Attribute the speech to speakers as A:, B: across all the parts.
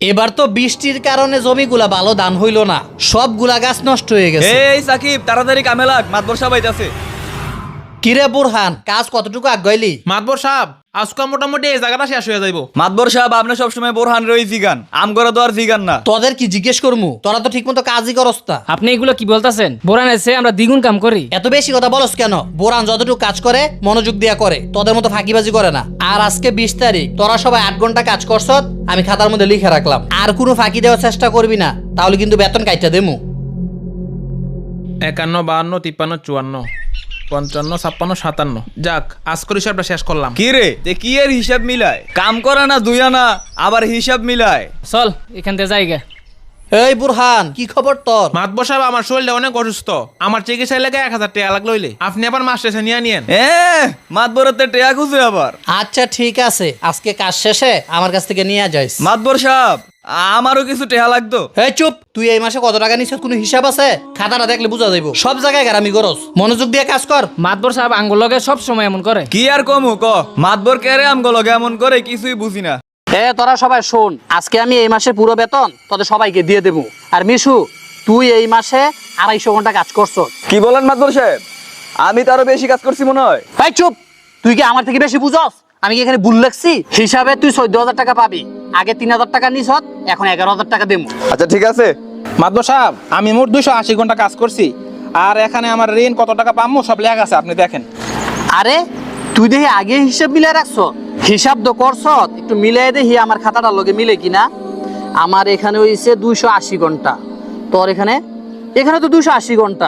A: এবার তো বৃষ্টির কারণে জমিগুলা ভালো ধান হইল না, সবগুলা গাছ নষ্ট হয়ে গেছে।
B: এই সাকিব তাড়াতাড়ি কামে লাগ, মাতবর সাহেব আইতাছে।
A: কিরে বুরহান, কাজ কতটুকু আগাইলি?
C: মাতবর সাহেব আজকে মোটামুটি এই জায়গাটা শেষ হয়ে যাইব।
B: মাতবর সাহেব আপনি সবসময় বোরহান রই জিগান, আম করে তো আর জিগান না।
A: তোদের কি জিজ্ঞেস করমু? তোরা তো ঠিক মতো কাজই করস না।
D: আপনি এগুলো কি বলতেছেন? বোরান এসে আমরা দ্বিগুণ কাম করি।
A: এত বেশি কথা বলস কেন? বোরান যতটুকু কাজ করে মনোযোগ দিয়া করে, তোদের মতো ফাঁকিবাজি করে না। আর আজকে 20 তারিখ, তোরা সবাই 8 ঘন্টা কাজ করছ, আমি খাতার মধ্যে লিখে রাখলাম। আর কোনো ফাঁকি দেওয়ার চেষ্টা করবি না, তাহলে কিন্তু বেতন কাইটা দেমু।
C: 51, 52, 53, 54, 55, 57। যাক, আজকের হিসাবটা শেষ করলাম।
B: কি রে তে কি এর হিসাব মিলায়? কাম করে না দুই আনা, আবার হিসাব মিলায়।
D: চল এখান থেকে যাইগা।
A: এই বুরহান, কি খবর তোর?
C: মাতবর সাহেব আমার শরীরটা অনেক অসুস্থ, আমার চিকিৎসা লেগে 1000 টাকা লাগ লইলে আপনি আবার মাস শেষে নিয়ে নিয়েন।
B: মাতবরের টেয়া খুঁজে আবার।
A: আচ্ছা ঠিক আছে, আজকে কাজ শেষে আমার কাছ থেকে নিয়ে যাইস।
B: মাতবর সাহেব আমারও কিছু টেহা লাগতো।
A: এই চুপ, তুই এই মাসে কত টাকা নিছিস কোনো হিসাব আছে? খাতাটা দেখলে বোঝা যাইব। সব জায়গায় গারামি করস, মনোযোগ দিয়ে কাজ কর।
D: মাতবর সাহেব আঙ্গুল লগে সব সময় এমন করে।
B: কি আর কমু ক, মাতবর কেরে আমগুলো এমন করে কিছুই বুঝি না।
A: তোরা সবাই শোন, আজকে আমি এই মাসের পুরো বেতন তোদের সবাইকে দিয়ে দেবো। আর মিশু, তুই এই মাসে 250 ঘন্টা কাজ করছ।
B: কি বলেন মাতবর সাহেব? আমি তো আরো বেশি কাজ করছি মনে হয়।
A: এই চুপ, তুই কি আমার থেকে বেশি বুঝস? আমি কি এখানে ভুল লাগছি? হিসাবে তুই 14,000 টাকা পাবি। আগে 3,000 টাকা নিছ, এখন 11,000 টাকা দেবো।
B: আচ্ছা ঠিক আছে।
C: মাতবর সাহেব আমি মোট 280 ঘন্টা কাজ করছি, আর এখানে আমার ঋণ কত টাকা পাবো সব লেখা আছে, আপনি দেখেন।
A: আরে তুই দেখি আগে হিসাব মিলাই রাখছ, হিসাব তো করছ, একটু মিলাই দেখি আমার খাতাটার লগে মিলে কিনা। আমার এখানে হইছে 280 ঘন্টা, তোর এখানে তো 280 ঘন্টা।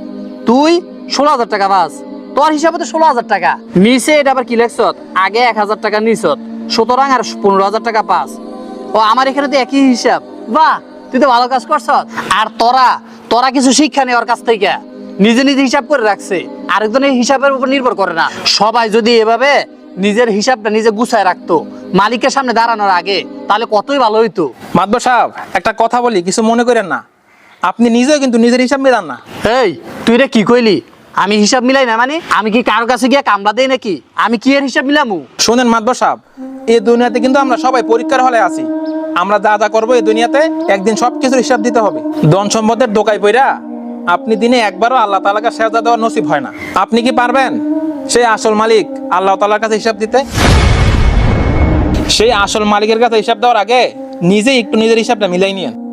A: তুই 16,000 টাকা পাস, তোর হিসাবে তো 16,000 টাকা নিচে। এটা আবার কি লেখছ? আগে 1,000 টাকা নিছ, সুতরাং আর 15,000 টাকা পাস। ও আমার এখানে তো একই হিসাব। বাহ, তুই তো ভালো কাজ করছ। আর তোরা কিছু শিক্ষা নেই ওর কাছ থেকে, নিজে নিজে হিসাব করে রাখছে, আরেকজনের হিসাবের উপর নির্ভর করে না। সবাই যদি এভাবে নিজের হিসাবটা নিজে গুছায় রাখতো মালিকের সামনে দাঁড়ানোর আগে, তাহলে কতই ভালো হইতো।
C: মাতবর সাহেব একটা কথা বলি, কিছু মনে করেন না, আপনি নিজেও কিন্তু নিজের হিসাব মিলান না।
A: এই তুই রে কি কইলি? আমি হিসাব মিলাই না মানে? আমি কি কারোর কাছে গিয়ে কামড়া দেই নাকি? আমি কি এর হিসাব মিলামু?
C: শোনেন মাতবর সাহেব, এই দুনিয়াতে কিন্তু আমরা সবাই পরীক্ষার হলে আছি। আমরা যা যা করবো এই দুনিয়াতে একদিন সবকিছুর হিসাব দিতে হবে। ধন সম্পদের দোকায় পইরা আপনি দিনে একবারও আল্লাহ তাআলাকে সেজদা দেওয়ার নসিব হয় না। আপনি কি পারবেন সেই আসল মালিক আল্লাহ তাআলার কাছে হিসাব দিতে? সেই আসল মালিকের কাছে হিসাব দেওয়ার আগে নিজেই একটু নিজের হিসাবটা মিলাই নিয়েন।